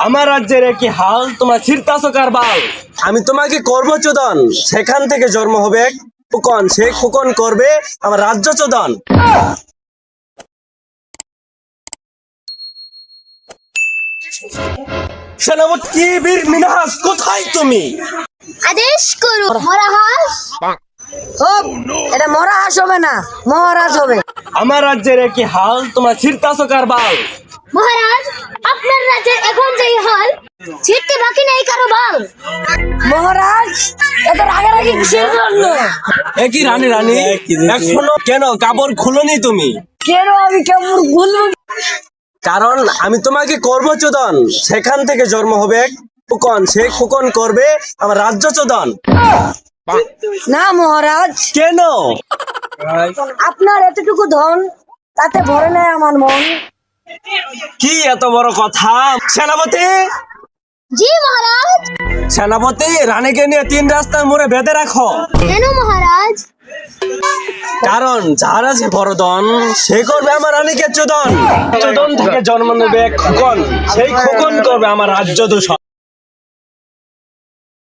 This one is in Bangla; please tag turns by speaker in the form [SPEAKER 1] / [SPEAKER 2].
[SPEAKER 1] আমার রাজ্যের কি হাল, তোমরা ছিড়তাছো কার বাল। আমি তোমাকে করব চোদন, সেখান থেকে জন্ম হবে এক খোকন, সেই খোকন করবে আমার রাজ্য চোদন। সেনাপতি বীর মিনহাস, কোথায় তুমি?
[SPEAKER 2] আদেশ করো মহারাজ।
[SPEAKER 3] হোক, এটা মরা হাঁস হবে না, মহারাজ হবে।
[SPEAKER 1] আমার রাজ্যের কি হাল, তোমরা ছিড়তাছো কার বাল।
[SPEAKER 2] মহারাজ, আপনার রাজ্যের এখন যেই হাল, ছিটতে বাকি নেই কারো বাল।
[SPEAKER 3] মহারাজ, এত রাগারাগি কিসের জন্য?
[SPEAKER 1] একই রানী রানী, এখনো কেন কাপড় খুলোনি তুমি?
[SPEAKER 3] কেন আমি কেমন ভুলবো?
[SPEAKER 1] কারণ আমি তোমাকে করব চোদন, সেখান থেকে জন্ম হবে এক খোকন, সেই খোকন করবে আমার রাজ্য চোদন।
[SPEAKER 3] না মহারাজ,
[SPEAKER 1] কেন?
[SPEAKER 3] আপনার এতটুকু ধন, তাতে ভরে নেয় আমার মন।
[SPEAKER 1] কি এত বড় কথা? সেনাপতি,
[SPEAKER 2] জি মহারাজ।
[SPEAKER 1] সেনাপতি, রানীকে নিয়ে 3 রাস্তার মোড়ে বেঁধে রাখো।
[SPEAKER 2] কেন মহারাজ?
[SPEAKER 1] কারণ যার আছে বড় ধন, সে করবে আমার রানীকে চোদন। চোদন থেকে জন্ম নেবে এক খোকন, সেই খোকন করবে আমার রাজ্য দূষণ।